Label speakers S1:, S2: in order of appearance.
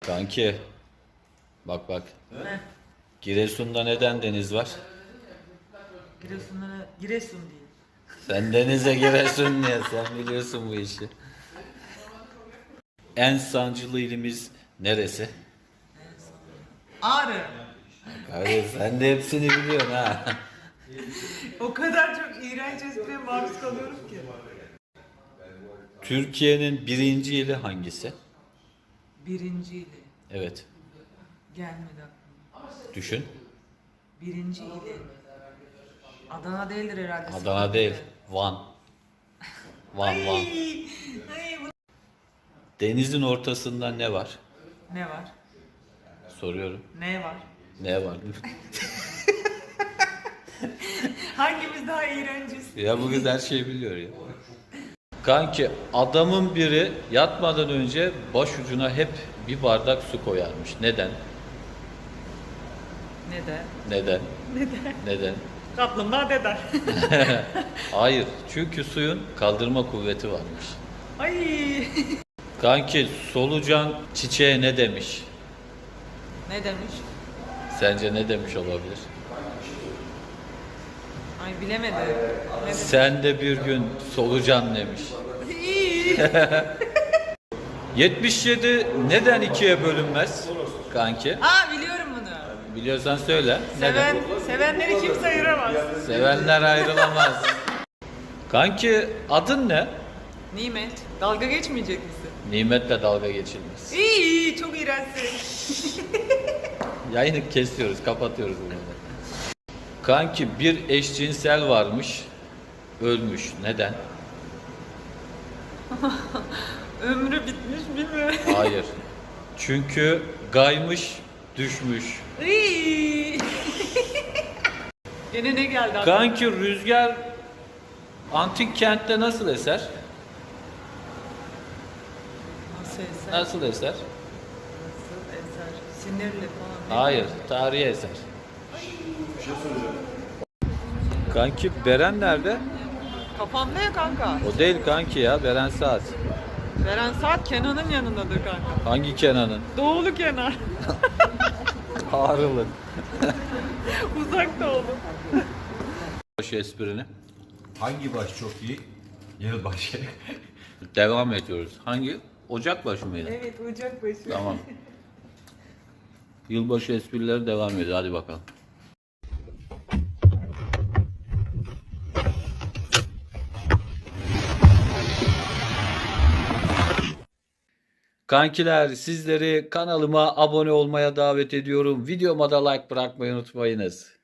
S1: Kanki bak bak.
S2: Heh,
S1: Giresun'da neden deniz var?
S2: Giresun değil.
S1: Sen denize Giresun niye? Sen biliyorsun bu işi. En sancılı ilimiz neresi?
S2: Ağrı.
S1: Kardeş sen de hepsini biliyorsun ha.
S2: O kadar çok iğrenç espriye maruz kalıyorum ki.
S1: Türkiye'nin birinci ili hangisi?
S2: Birinciyle.
S1: Evet.
S2: Gelmedi aklıma.
S1: Düşün.
S2: Birinci ili. Adana değildir herhalde.
S1: Adana değil. Van. Van
S2: Ay,
S1: Van.
S2: ay,
S1: Denizin ortasında ne var?
S2: ne var?
S1: Soruyorum.
S2: Ne var?
S1: Ne var?
S2: Hangimiz daha iğrenciz?
S1: Ya bu kız her şeyi biliyor ya. Kanki adamın biri yatmadan önce başucuna hep bir bardak su koyarmış. Neden?
S2: Neden?
S1: Neden?
S2: Neden?
S1: Neden?
S2: Kaplumbağa deder.
S1: Hayır. Çünkü suyun kaldırma kuvveti varmış.
S2: Ay.
S1: Kanki solucan çiçeğe ne demiş?
S2: Ne demiş?
S1: Sence ne demiş olabilir?
S2: Ay bilemedim. Ne demiş?
S1: Sen de bir gün solucan demiş.
S2: İyi.
S1: 77 neden ikiye bölünmez? Kanki.
S2: Aa biliyorum bunu.
S1: Biliyorsan söyle. Neden?
S2: Sevenleri kimse ayıramaz.
S1: Sevenler ayrılamaz. Kanki adın ne?
S2: Nimet. Dalga geçmeyecek misin?
S1: Nimetle dalga geçilmez.
S2: İyi, çok iğrençsin.
S1: Yayını kesiyoruz, kapatıyoruz bunu. Kanki bir eşcinsel varmış, ölmüş. Neden?
S2: Ömrü bitmiş bilmiyorum.
S1: Hayır. Çünkü gaymış, düşmüş.
S2: İyi. Gene ne geldi aklıma?
S1: Kanki rüzgar antik kentte nasıl eser?
S2: Nasıl eser?
S1: Nasıl eser?
S2: Nasıl eser? Sinirli falan. Ne
S1: Hayır, tarihi eser. Kanki Beren nerede?
S2: Kafamda ya kanka.
S1: O değil kanki ya, Beren Saat.
S2: Beren Saat Kenan'ın yanındadır kanka.
S1: Hangi Kenan'ın?
S2: Doğulu Kenan.
S1: Ağrılı.
S2: Uzak doğulu.
S1: Şu esprini.
S3: Hangi baş çok iyi? Yılbaşı.
S1: Devam ediyoruz. Hangi? Ocakbaşı mıydı?
S2: Evet Ocakbaşı.
S1: Tamam. Yılbaşı esprileri devam ediyor. Hadi bakalım. Kankiler sizleri kanalıma abone olmaya davet ediyorum. Videoma da like bırakmayı unutmayınız.